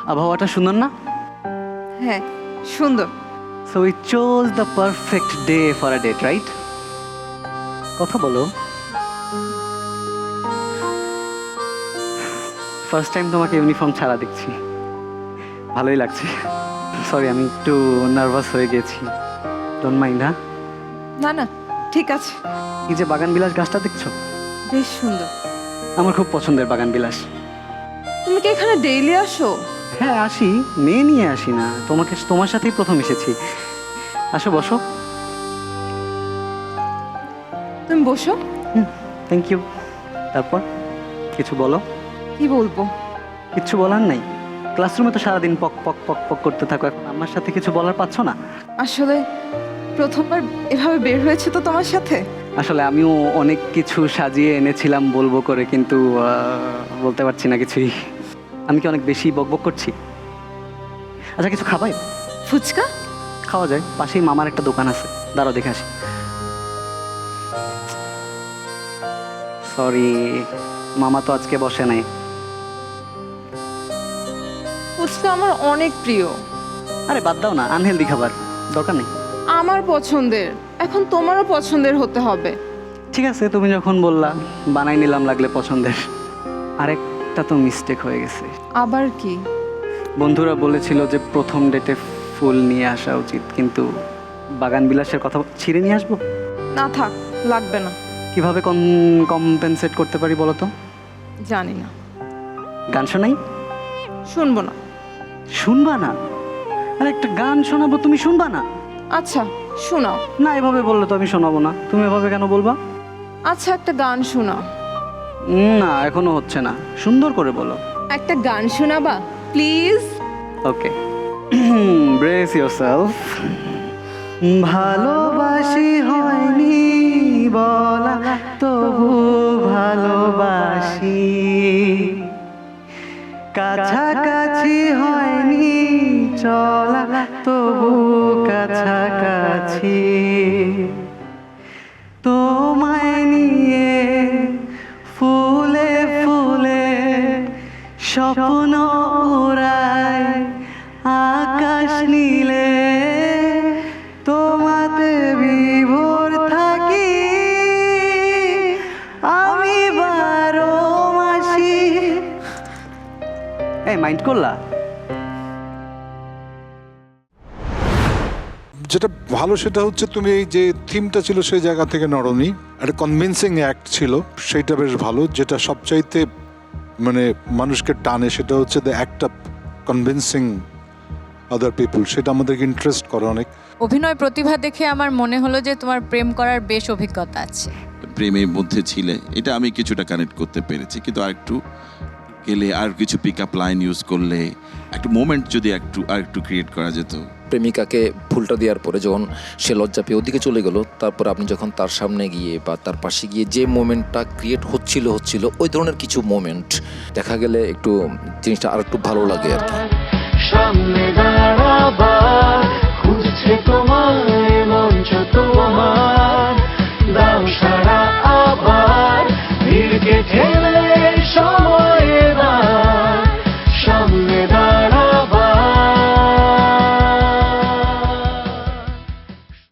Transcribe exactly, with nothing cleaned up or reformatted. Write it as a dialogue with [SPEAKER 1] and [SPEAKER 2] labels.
[SPEAKER 1] আবহাওয়াটা সুন্দর না?
[SPEAKER 2] হ্যাঁ সুন্দর।
[SPEAKER 1] So we choose the perfect day for a date, right? কথা বলো। ফার্স্ট টাইম তোমাকে ইউনিফর্ম ছাড়া দেখছি, ভালোই লাগছে। সরি, আমি একটু নার্ভাস হয়ে গেছি, ডোন্ট মাইন্ড। হ্যাঁ
[SPEAKER 2] না না ঠিক আছে।
[SPEAKER 1] এই যে বাগান বিলাস গাছটা দেখছো,
[SPEAKER 2] বেশ সুন্দর।
[SPEAKER 1] আমার খুব পছন্দের বাগান বিলাস।
[SPEAKER 2] তুমি কি এখানে ডেইলি আসো?
[SPEAKER 1] হ্যাঁ আসি, মেয়ে নিয়ে আসি না, তোমাকে তোমার সাথেই প্রথম এসেছি। আসো বসো।
[SPEAKER 2] তুমি বসো।
[SPEAKER 1] Thank you. তারপর কিছু বলো।
[SPEAKER 2] কি বলবো?
[SPEAKER 1] কিচ্ছু বলার নাই? ক্লাসরুমে তো সারাদিন পক পক পক পক করতে থাকো, এখন আমার সাথে কিছু বলার পাচ্ছ না?
[SPEAKER 2] আসলে প্রথমবার এভাবে বের হয়েছে তো তোমার সাথে।
[SPEAKER 1] আসলে আমিও অনেক কিছু সাজিয়ে এনেছিলাম বলবো করে, কিন্তু আহ, বলতে পারছি না কিছুই। আমি কি অনেক বেশি বকবক করছি? আচ্ছা কিছু খাবাই?
[SPEAKER 2] ফুচকা
[SPEAKER 1] খাওয়া যায়, পাশেই মামার একটা দোকান আছে, দাঁড়াও দেখে আসি। সরি, মামা তো আজকে বসে নাই।
[SPEAKER 2] ফুচকা আমার অনেক প্রিয়।
[SPEAKER 1] আরে বাদ দাও না, আনহেলদি খাবার, দরকার নেই।
[SPEAKER 2] আমার পছন্দের, এখন তোমারও পছন্দের হতে হবে।
[SPEAKER 1] ঠিক আছে, তুমি যখন বললা বানাই নিলাম লাগলে পছন্দের। আরেকটা তো মিস্টেক হয়ে গেছে।
[SPEAKER 2] আবার কি?
[SPEAKER 1] বন্ধুরা বলেছিল যে প্রথম ডেটে ফুল নিয়ে আসা উচিত, কিন্তু বাগান বিলাসের কথা ছিঁড়ে নিয়ে আসবো?
[SPEAKER 2] না থাক, লাগবে না।
[SPEAKER 1] কিভাবে কম্পেনসেট করতে পারি বলো তো?
[SPEAKER 2] জানি না।
[SPEAKER 1] গান শোনাই?
[SPEAKER 2] শুনবো না।
[SPEAKER 1] শুনবা না? আরে একটা গান শোনাবো, তুমি শুনবা না?
[SPEAKER 2] আচ্ছা শোনাও।
[SPEAKER 1] না, এভাবে বললে তো আমি শোনাবো না। তুমি এভাবে কেন বলবা?
[SPEAKER 2] আচ্ছা একটা গান শোনাও।
[SPEAKER 1] না এখনো হচ্ছে না, সুন্দর করে বলো।
[SPEAKER 2] একটা গান শোনাবা প্লিজ?
[SPEAKER 1] Okay, brace yourself. ভালোবাসি হয়নি বলা, তবু ভালোবাসি। কাছাকাছি হয়নি চলা, তবু কাছাকাছি। তোমায় নিয়ে ফুলে ফুলে স্বপ্ন উড়ায় আকাশ নীলে, তোমাতে বিভোর থাকি আমি বারো মাসি। এই মাইন্ড করলা?
[SPEAKER 3] যেটা ভালো সেটা হচ্ছে তুমি এই যে থিমটা ছিল সেই জায়গা থেকে নড়নি, একটা কনভিন্সিং অ্যাক্ট ছিল, সেইটা বেশ ভালো। যেটা সবচাইতে মানে মানুষকে টানে সেটা হচ্ছে the act of convincing other people, সেটা আমাদেরকে ইন্টারেস্ট করে অনেক।
[SPEAKER 4] অভিনয় প্রতিভা দেখে আমার মনে হলো যে তোমার প্রেম করার বেশ অভিজ্ঞতা আছে।
[SPEAKER 5] প্রেমের মধ্যে ছিলে, এটা আমি কিছুটা কানেক্ট করতে পেরেছি, কিন্তু আর একটু গেলে আর কিছু পিক আপ লাইন ইউজ করলে একটা মোমেন্ট যদি একটু আর একটু ক্রিয়েট করা যেত।
[SPEAKER 6] প্রেমিকাকে ফুলটা দেওয়ার পরে যখন সে লজ্জা পেয়ে ওদিকে চলে গেল, তারপর আপনি যখন তার সামনে গিয়ে বা তার পাশে গিয়ে যে মোমেন্টটা ক্রিয়েট হচ্ছিল হচ্ছিল ওই ধরনের কিছু মোমেন্ট দেখা গেলে একটু জিনিসটা আর একটু ভালো লাগে আর কি।
[SPEAKER 7] সামনে দাঁড়াবার খুঁজছে তোমায় মঞ্চ তোমার